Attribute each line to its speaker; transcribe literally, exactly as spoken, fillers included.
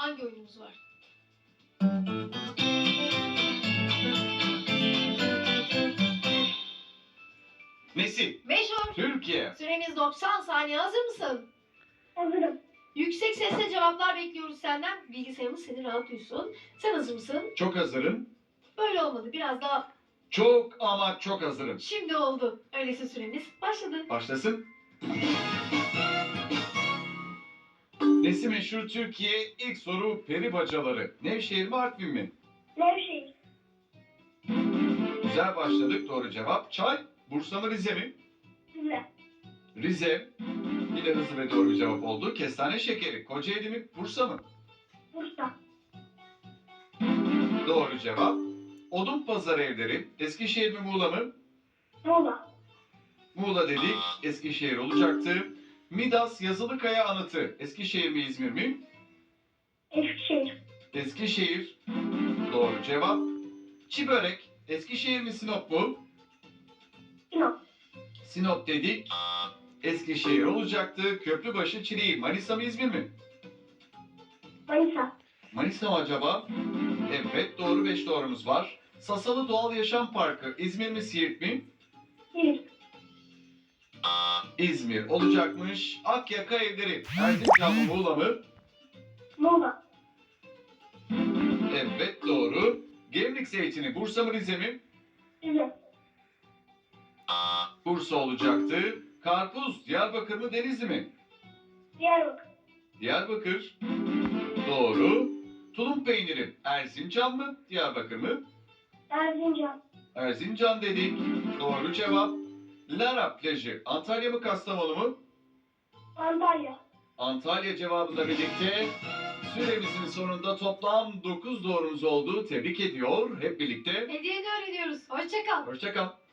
Speaker 1: hangi oyunumuz var?
Speaker 2: Nesi?
Speaker 1: Meşhur.
Speaker 2: Türkiye.
Speaker 1: Süremiz doksan saniye. Hazır mısın?
Speaker 3: Hazırım.
Speaker 1: Yüksek sesle cevaplar bekliyoruz senden. Bilgisayarımız seni rahat duysun. Sen hazır mısın?
Speaker 2: Çok hazırım.
Speaker 1: Böyle olmadı. Biraz daha.
Speaker 2: Çok ama çok hazırım.
Speaker 1: Şimdi oldu. Öyleyse süremiz başladı.
Speaker 2: Başlasın. Nesi meşhur Türkiye? İlk soru peri bacaları. Nevşehir mi Artvin mi?
Speaker 3: Nevşehir.
Speaker 2: Güzel başladık. Doğru cevap. Çay. Bursa mı Rize mi?
Speaker 3: Rize.
Speaker 2: Rize. Yine hızlı ve doğru bir cevap oldu. Kestane şekeri. Kocaeli mi? Bursa mı?
Speaker 3: Bursa.
Speaker 2: Doğru cevap. Odun pazarı evleri. Eskişehir mi Muğla mı?
Speaker 3: Muğla.
Speaker 2: Muğla dedik. Eskişehir olacaktı. Midas Yazılıkaya Anıtı. Eskişehir mi İzmir mi?
Speaker 3: Eskişehir.
Speaker 2: Eskişehir. Doğru cevap. Çi börek. Eskişehir mi Sinop mu?
Speaker 3: Sinop.
Speaker 2: Sinop dedik. Eskişehir olacaktı. Köprübaşı Çileği. Manisa mı İzmir mi?
Speaker 3: Manisa.
Speaker 2: Manisa mı acaba? Evet, doğru, beş doğrumuz var. Sasalı Doğal Yaşam Parkı. İzmir mi Siirt mi?
Speaker 3: Siirt.
Speaker 2: İzmir olacakmış. Akyaka Evleri. Erzincan mı Muğla mı?
Speaker 3: Muğla.
Speaker 2: Evet, doğru. Gemlik Zeytini. Bursa mı Rize mi?
Speaker 3: Rize.
Speaker 2: Bursa olacaktı. Karpuz. Diyarbakır mı Denizli mi?
Speaker 3: Diyarbakır.
Speaker 2: Diyarbakır. Doğru. Tulum peyniri. Erzincan mı? Diyarbakır mı?
Speaker 3: Erzincan.
Speaker 2: Erzincan dedik. Doğru cevap. Lara plajı. Antalya mı Kastamonu mu?
Speaker 3: Antalya.
Speaker 2: Antalya cevabıyla birlikte süremizin sonunda toplam dokuz doğrumuz oldu. Tebrik ediyor. Hep birlikte.
Speaker 1: Hediyeni öğreniyoruz. Hoşça kal.
Speaker 2: Hoşça kal.